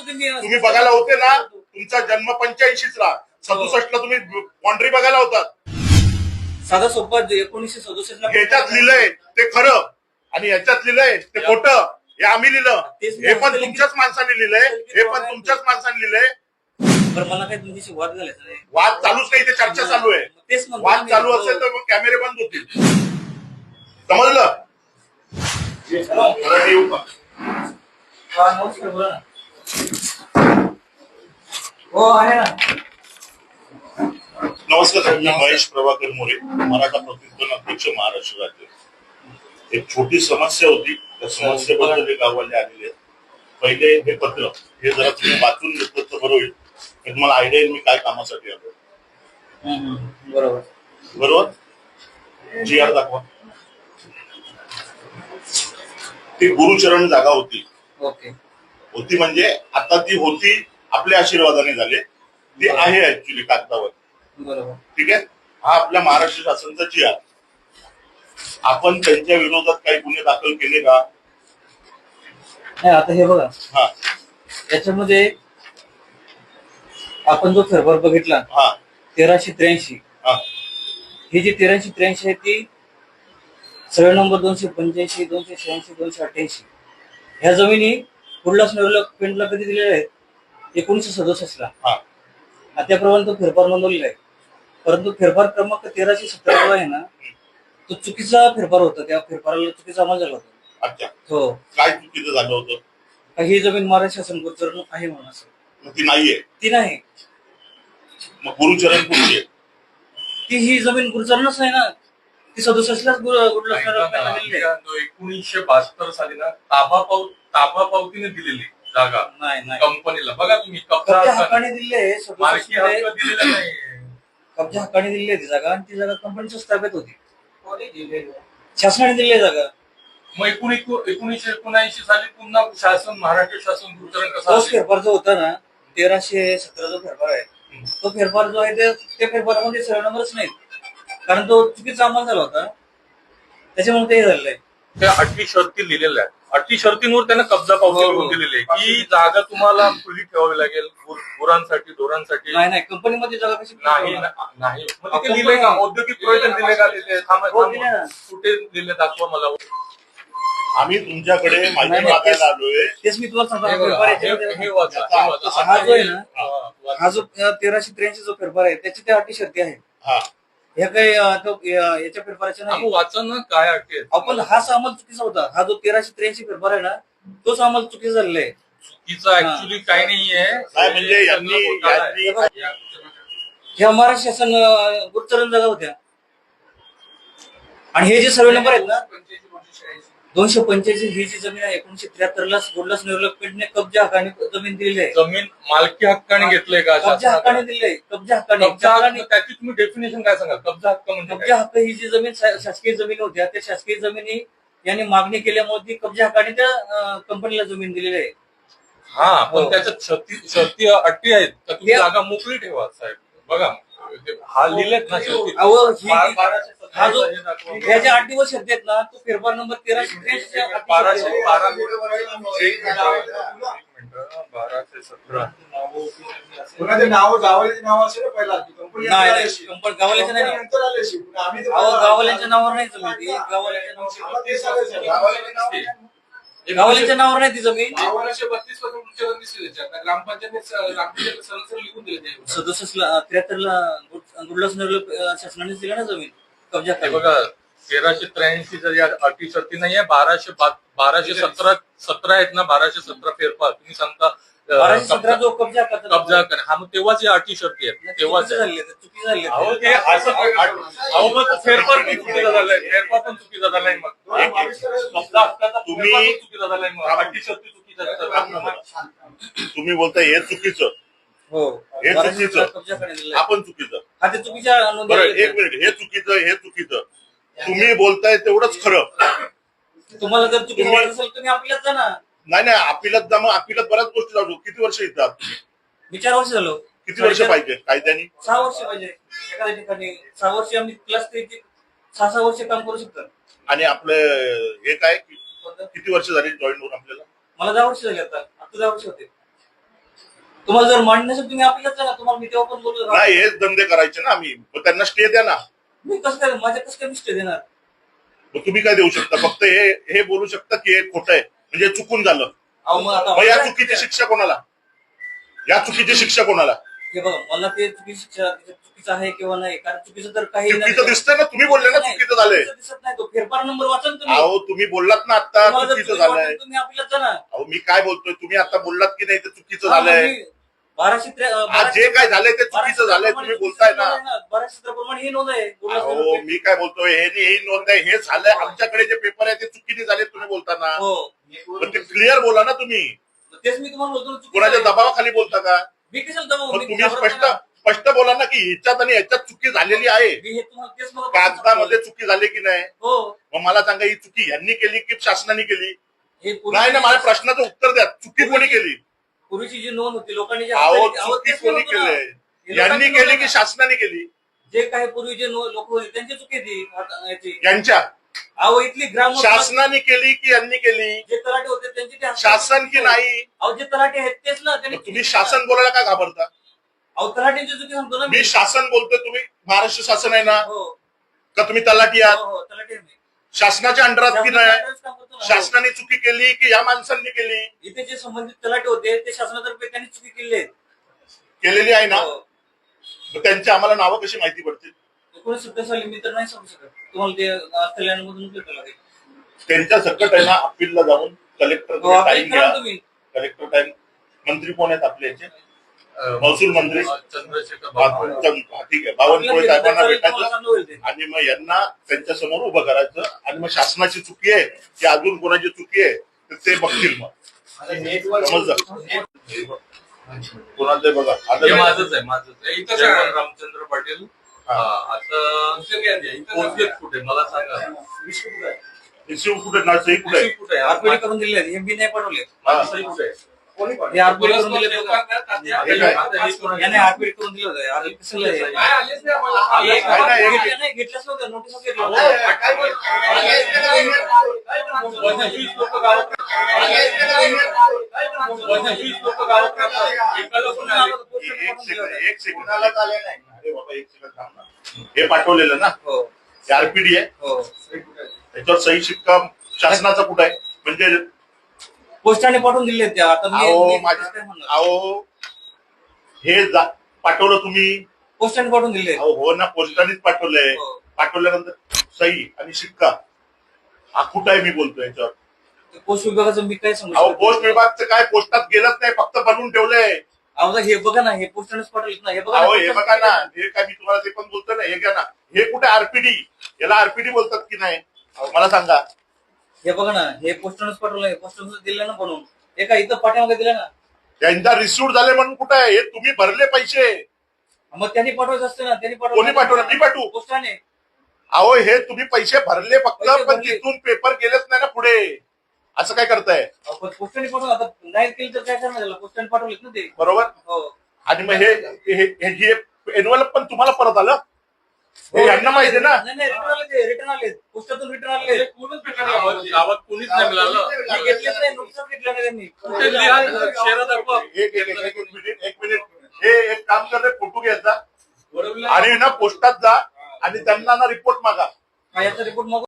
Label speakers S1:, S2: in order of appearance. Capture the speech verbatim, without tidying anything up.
S1: तुम्ही बघायला होते ना, तुमचा जन्म पंच्याऐंशीच ला, सदुसष्ट ला तुम्ही बाउंड्री बघायला होतात.
S2: साधा सोपा एकोणीसशे सदुसष्ट ला
S1: ह्याच्यात लिहिलंय ते खरं आणि ह्याच्यात लिहिलंय ते खोटं. हे आम्ही लिहिलं, हे पण तुमच्याच माणसाने लिहिलंय, हे पण तुमच्याच माणसाने लिहिलंय.
S2: बरं, मला काय तुमच्याशी वाद झालायचा नाही.
S1: वाद चालूच नाही, ते चर्चा चालू आहे.
S2: तेच म्हणतो
S1: वाद
S2: मी.
S1: चालू असेल तर मग कॅमेरे बंद होतील. समजलं? परत येऊ का?
S2: हा, नमस्कार, बोला ना. हो, आहे ना.
S1: नमस्कार, मी महेश प्रभाकर मोरे, मराठा प्रतिष्ठान अध्यक्ष, महाराष्ट्र राज्य. एक छोटी समस्या होती, त्या समस्येबद्दल हे गाववाले आलेले आहेत. पहिले हे पत्र हे जरा तुम्ही वाचून घेतलं तर बरं होईल. तुम्हाला आयडिया येईल मी काय कामासाठी आलो.
S2: बरोबर
S1: बरोबर जी आर दाखवा. ती गुरुचरण जागा होती.
S2: ओके.
S1: होती म्हणजे आता ती होती, आपल्या आशीर्वादाने झाले. ती आहे ऍक्च्युली कागदावर.
S2: बरोबर. ठीक
S1: आहे. हा आपल्या महाराष्ट्र शासनाचा जी आर. आपण त्यांच्या विरोधात काही गुन्हे दाखल केले का?
S2: नाही, आता हे बघा,
S1: हा,
S2: याच्यामध्ये आपण जो फेरफार बघितला,
S1: हा,
S2: तेराशे त्र्याऐंशी,
S1: हा,
S2: ही जी तेराशे त्र्याऐंशी आहे ती सर्वे नंबर दोनशे पंच्याऐंशी, दोनशे शहाऐंशी, दोनशे अठ्ठ्याऐंशी ह्या जमिनी कुर्लास डेव्हलपमेंटला कधी दिलेल्या आहेत? एकोणीसशे सदुसष्ट ला.
S1: हा,
S2: त्याप्रमाणे तो फेरफार नोंदवलेला आहे. परंतु फेरफार क्रमांक तेराशे सतरा जो आहे ना, तो चुकीचा फेरफार होता. त्या फेरफाराला चुकीचा अमल झाला होता.
S1: अच्छा.
S2: हो.
S1: काय चुकीचं झालं होतं?
S2: ही जमीन महाराष्ट्र शासन गुरुचरण आहे म्हणून असं.
S1: मग ती नाहीये.
S2: ती नाही.
S1: मग गुरुचरण कुठली आहे?
S2: ती ही जमीन गुरुचरणच नाही ना. ती सदुसष्ट लाच
S3: एकोणीसशे बहात्तर साली ना ताबा पाव ताबा पावतीने दिलेली जागा
S2: नाही
S3: कंपनीला. बघा तुम्ही,
S2: कब्जा हक्काने दिले,
S3: मालकी हक्क दिलेला नाही.
S2: कब्जा हक्काने दिली ती जागा आणि ती जागा कंपनीच्याच ताब्यात होती. शासनाने दिली जागा.
S3: मग एकोणीसशे एकोणऐंशी साली पुन्हा शासन, महाराष्ट्र शासन गुरुचरण कसा?
S2: तोच फेरफार जो होता ना, तेराशे सतरा जो फेरफार आहे, तो फेरफार जो आहे ते त्या फेरफारामध्ये सर्व नंबरच नाहीत. कारण तो चुकीचा अंमल झाला होता, त्याच्यामुळे ते झालेलं आहे.
S3: त्या अटी शर्ती लिहिलेल्या आहेत. अटी शर्तींवर त्यानं कब्जा पावती लिहून दिलेली आहे की जागा तुम्हाला खुली ठेवावी लागेल गुरांसाठी, ढोरांसाठी.
S2: नाही नाही, कंपनीमध्ये जागा कशी
S3: नाही नाही. मग तिथे लिहिले का? औद्योगिक प्रयोजन दिले का तिथे? कुठे दिले दाखवा मला.
S1: आम्ही तुमच्याकडे माहिती मागायला आलोय.
S2: तेच मी तुम्हाला सांगतो.
S3: हा
S2: जो आहे ना, हा जो तेराशे त्र्याऐंशी जो फेरफार आहे त्याची त्या अटी शर्ती आहे. ह्या काही याच्या फेरफाराच्या नाही.
S3: वाचा ना काय अटी आहेत.
S2: आपण हाच अंमल चुकीचा होता. हा जो तेराशे त्र्याऐंशी फेरफार आहे ना, तोच अंमल चुकीचा झालेला आहे.
S3: चुकीचा ऍक्च्युली काही नाहीये.
S1: काय म्हणजे यांनी
S2: ह्या महाराष्ट्र शासन गुरुचरण जागा होत्या आणि हे जे सर्वे नंबर आहेत ना, दोनशे पंच्याऐंशी ही जी जमीन आहे एकोणीशे त्र्याहत्तर ला गुरुलास डेव्हलपमेंटने कब्जा हक्काने जमीन दिलेली आहे.
S3: जमीन मालकी हक्काने घेतलंय का?
S2: कब्जा हक्काने दिले. कब्जा हक्काने.
S3: त्याची तुम्ही डेफिनेशन काय सांगाल? कब्जा हक्क म्हणजे
S2: कब्जा हक्क ही जी जमीन शासकीय जमीन होत्या, त्या शासकीय जमिनी यांनी मागणी केल्यामुळे ती कब्जा हक्काने त्या कंपनीला जमीन दिलेली आहे.
S3: हा, पण त्याच्यात शर्ती शर्ती अटी आहेत का? तुम्ही जागा मोकळी ठेवा साहेब. बघा, हा लिहिलेत ना शर्ती.
S2: हा जो ह्या ज्या अटी व शर्ती आहेत ना, तो फेरफार नंबर तेराशे त्र्याऐंशी
S3: बाराशे बारा बाराशे सतरा
S4: नाव गावाल्याचे नाव असेल पहिला.
S2: नाही, गावाल्याच्या नाही. गावाल्याच्या नावावर नाही जमीन. गावाल्याच्या नावावर नाही ती जमीन.
S4: बत्तीस पासून दिसली ग्रामपंचायत सरळ लिहून दिले.
S2: सदुसष्ट ला त्र्याहत्तर ला गुरुलास शासनाने दिला ना जमीन कब्जा.
S3: बघा, तेराशे त्र्याऐंशी या अटी शर्ती नाहीये. बाराशे बाराशे सतरा सतरा आहेत ना, बाराशे सतरा फेरफार तुम्ही सांगता
S2: बाराशे सतरा जो कब्जा
S3: कब्जा कर. हा, मग तेव्हाच या अटी शर्ती आहेत. तेव्हाच
S2: चुकी झाली.
S3: फेरफार पण चुकीचा झालाय. फेरफार पण चुकीचा झालाय. मग कब्जा हक्काचा तुम्ही चुकीचा झालाय. मग अटी शर्ती चुकीच्या.
S1: तुम्ही बोलताय हे चुकीचं.
S2: हो,
S1: हे चुकीचं. आपण चुकीचं.
S2: हा, ते चुकीच्या.
S1: बरं, एक मिनिट. हे चुकीचं, हे चुकीचं. तुम्ही बोलताय तेवढंच खरं.
S2: तुम्हाला जर चुकीचं वाटत असेल तुम्ही आपल्यात जा ना.
S1: नाही नाही, अपिलात जा. मग अपिलात बऱ्याच गोष्टी जाऊ. किती वर्ष येतात?
S2: मी चार वर्ष झालो.
S1: किती वर्ष पाहिजे कायद्याने?
S2: सहा वर्ष पाहिजे एखाद्या ठिकाणी. सहा वर्ष आम्ही क्लास सहा सहा वर्ष काम करू शकतो.
S1: आणि आपलं हे काय किती वर्ष झाली जॉईन होऊन आपल्याला?
S2: मला दहा वर्ष झाली. आता आता दहा वर्ष होते. तुम्हाला जर मान्य नसेल तुम्ही आपल्याच ना, तुम्हाला मी तेव्हा पण बोललो
S1: नाही हेच धंदे करायचे ना आम्ही, मग त्यांना स्टे द्या ना.
S2: मी कसं काय माझ्या कसं काय मिस्टेक देणार.
S1: मग तुम्ही काय देऊ शकता? फक्त हे हे बोलू शकता की हे खोटं आहे म्हणजे चुकून झालं.
S2: अहो मग आता
S1: मग या चुकीची शिक्षा कोणाला? या चुकीची शिक्षा कोणाला?
S2: हे बघा मला ते चुकीची शिक्षा चुकीचं आहे किंवा नाही, कारण चुकीचं तर काही
S1: चुकीचं दिसतंय ना, तुम्ही बोलले ना चुकीचं झालंय.
S2: दिसत नाही, तो फेरफार नंबर वाचा ना तुम्ही.
S1: अहो तुम्ही बोललात ना आता
S2: तुम्हाला जर
S1: चुकीचं
S2: चुकीचं
S1: झालंय.
S2: वाटेल तुम्ही आपल्याच ना.
S1: अहो मी काय बोलतोय, तुम्ही आता बोललात की नाही ते चुकीचं
S2: हा,
S1: झालंय.
S2: मी बाराशे त्रे-
S1: आज
S2: बाराशे-
S1: जे काय झालंय ते चुकीचं झालंय तुम्ही बोलताय ना.
S2: बाराशे सतराप्रमाणे ही नोंद आहे.
S1: अहो मी काय बोलतोय, हे नाही, ही नोंद आहे, हे झालंय. आमच्याकडे जे पेपर आहे ते चुकीने झाले तुम्ही बोलताना.
S2: हो
S1: पण ते क्लिअर बोला ना तुम्ही.
S2: तेच मी तुम्हाला बोलतो ना, चुकीचं
S1: कोणाच्या
S2: आहे.
S1: दबावाखाली बोलता का?
S2: मी कशाला दबाव?
S1: मग
S2: मी
S1: तुम्ही
S2: घाबरत
S1: स्पष्ट
S2: नाही ना.
S1: स्पष्ट बोला ना की ह्याच्यात आणि ह्याच्यात चुकी झालेली आहे.
S2: मी हे तुम्हाला तेच मला
S1: कागदामध्ये चुकी झाली की नाही?
S2: हो
S1: मग मला सांगा ही चुकी ह्यांनी केली की शासनाने केली?
S2: हे पूर्वी-
S1: नाही ना, माझ्या प्रश्नाचं उत्तर द्या. चुकी कोणी केली?
S2: पूर्वीची जी नोंद होती लोकांनी जी
S1: अहो
S2: हाताळली- अहो,
S1: चुकी
S2: तेच मी
S1: कोणी
S2: म्हणतो ना.
S1: केलंय?
S2: हे
S1: यांनी
S2: लोकांची
S1: केली
S2: नोंद
S1: की
S2: आहे.
S1: शासनाने केली?
S2: जे काही पूर्वी जे लोक होते त्यांची चुकी ती आता याची.
S1: यांच्या
S2: अहो इथली ग्राम
S1: शासनाने केली की यांनी केली?
S2: जे तलाटे होते त्यांची ते
S1: शासन की नाही?
S2: अहो जे तलाटे आहेत तेच ना त्यांनी.
S1: मग तुम्ही शासन बोलायला का घाबरता?
S2: अहो तलाट्यांची चुकी सांगतो ना
S1: मी शासन बोलतोय, तुम्ही महाराष्ट्र शासन आहे ना,
S2: हो
S1: का तुम्ही तलाठी आहात?
S2: हो हो तलाटे आहे मी.
S1: शासनाच्या अंडरात की नाही?
S2: शासनाचं काम करतो ना. हो.
S1: शासनाने चुकी केली की या माणसांनी केली?
S2: इथे जे संबंधित तलाटे होते ते शासनातर्फे त्यांनी चुकी केली आहे.
S1: केलेली आहे ना.
S2: हो.
S1: मग त्यांची आम्हाला नावं कशी माहिती पडतील?
S2: एकोणीसशे सत्तर साली मी तर नाही सांगू शकत तुम्हाला, ते आज कल्याणमधून भेटायला लागेल.
S1: त्यांच्या सकट आहे ना अपीलला जाऊन कलेक्टर
S2: हो, अपील
S1: टाइम
S2: करा
S1: घ्या.
S2: तुम्ही.
S1: Collector time. मंत्री कोण आहेत आपले याचे? महसूल मंत्री
S3: चंद्रशेखर
S1: हा,
S3: बावनकुळे.
S1: चंद- हा, ठीक आहे. बावनकुळे साहेबांना
S2: तुम्हाला
S1: भेटायचं
S2: चांगलं होईल ते.
S1: आणि मग यांना त्यांच्या समोर उभं करायचं आणि मग शासनाची चुकी आहे की अजून कोणाची चुकी आहे तर ते बघतील. मग समजलं कोणाचं आहे बघा
S3: हे
S1: आता.
S3: माझंच आहे माझंच आहे.
S4: इथंच
S3: जयवंत
S4: आहे.
S3: रामचंद्र पाटील.
S1: हा.
S3: हा, आता
S4: दुसरं काय आहे? इथं
S3: पोहोचलेत कुठे मला सांगा.
S1: शिव कुठे ना सही कुठे आहे?
S3: कुठे आहे?
S2: आरपीडी करून दिले आहेत. हे बी नाही पाठवले.
S3: माझी सही कुठे आहे?
S2: हे आरपीडी करून दिले
S4: पोलीस
S2: बघा.
S4: तात्या-
S1: हे काय?
S2: याने आरपीडी करून दिलं होतं. आधी कसं आहे?
S4: काय आलेच नाही आम्हाला.
S2: हे
S4: आलेच
S1: काय नाही,
S4: नाही.
S1: हे-
S2: घेतलं नाही, घेतलंच नव्हतं. नोटीस घेतलं
S3: अहो,
S2: नव्हतं.
S3: काय बोल- पंचवीस लोक गावात पंचवीस लोक गावात राहतात. एकाला पण नाही.
S1: एक सेकंड एक सेकंड अरे बाबा एक सेकंड थांब ना. हे पाठवलेलं ना
S2: हो
S1: आरपीडी आहे,
S2: हो
S1: त्याच्यावर सही शिक्का शासनाचा कुठं आहे? म्हणजे
S2: पोस्टाने पाठवून दिले त्या. आता मी-
S1: अहो
S2: मी
S1: माझ्या
S2: कसं काय म्हणणार?
S1: अहो हे जा- पाठवलं तुम्ही?
S2: पोस्टाने पाठवून दिले.
S1: अहो हो ना, पोस्टानेच पाठवलंय.
S2: हो.
S1: पाठवल्यानंतर सही आणि शिक्का हा कुठं आहे मी बोलतोय याच्यावर?
S2: पोस्ट विभागाचं मी काय सांगू
S1: अहो
S2: शकतो?
S1: पोस्ट विभागचं काय पोस्टात गेलंच नाही, फक्त बनवून ठेवलंय.
S2: अहो हे बघा ना, हे पोस्टानेच पाठवलेत ना. हे बघा
S1: अहो
S2: ना,
S1: हे बघा ना, हे काय मी तुम्हाला ते पण बोलतोय ना, हे घ्या ना. हे कुठे आरपीडी? याला आरपीडी बोलतात की नाही? अहो, मला सांगा.
S2: हे बघा ना, हे पोस्टानेच पाठवलंय. पोस्टाने दिलं ना बनवून. हे काय इथं पाठ्यामागे दिलं ना.
S1: यांचा रिसिव्ह झाले म्हणून कुठे आहे? हे तुम्ही भरले पैसे.
S2: मग त्यांनी पाठवायचं असतं ना. त्यांनी
S1: कोणी पाठवलं? मी पाठवू?
S2: पोस्टाने.
S1: अहो हे तुम्ही पैसे भरले फक्त,
S2: पैसे
S1: पण
S2: भरले.
S1: तिथून पेपर गेलेच नाही ना पुढे. असं काय करताय?
S2: अहो, पण पोस्टाने पाठवलं. आता नाही केलं तर काय करणार त्याला? पोस्टाने पाठवलेत ना ते.
S1: बरोबर.
S2: हो
S1: आणि मग हे हे- हे हे एनवलप पण तुम्हाला परत आलं? हे यांना माहिती आहे ना.
S2: नाही नाही रिटर्न आले ते. रिटर्न आले. पोस्टातून रिटर्न आले.
S4: हे कोणच भेटणार
S3: गावात
S4: नाही.
S3: गावात कोणीच नाही मिळालं.
S2: मी घेतलेच नाही. नुकसान घेतलं नाही त्यांनी.
S3: कुठे लिहा शेरा दाखवा.
S1: एक एक- एक- एक मिनिट एक मिनिट हे एक काम कर रे, फोटो घ्यायचा
S4: बरोबर.
S1: आणि ना पोस्टात जा आणि त्यांना ना रिपोर्ट मागा.
S2: हा, याचा रिपोर्ट मग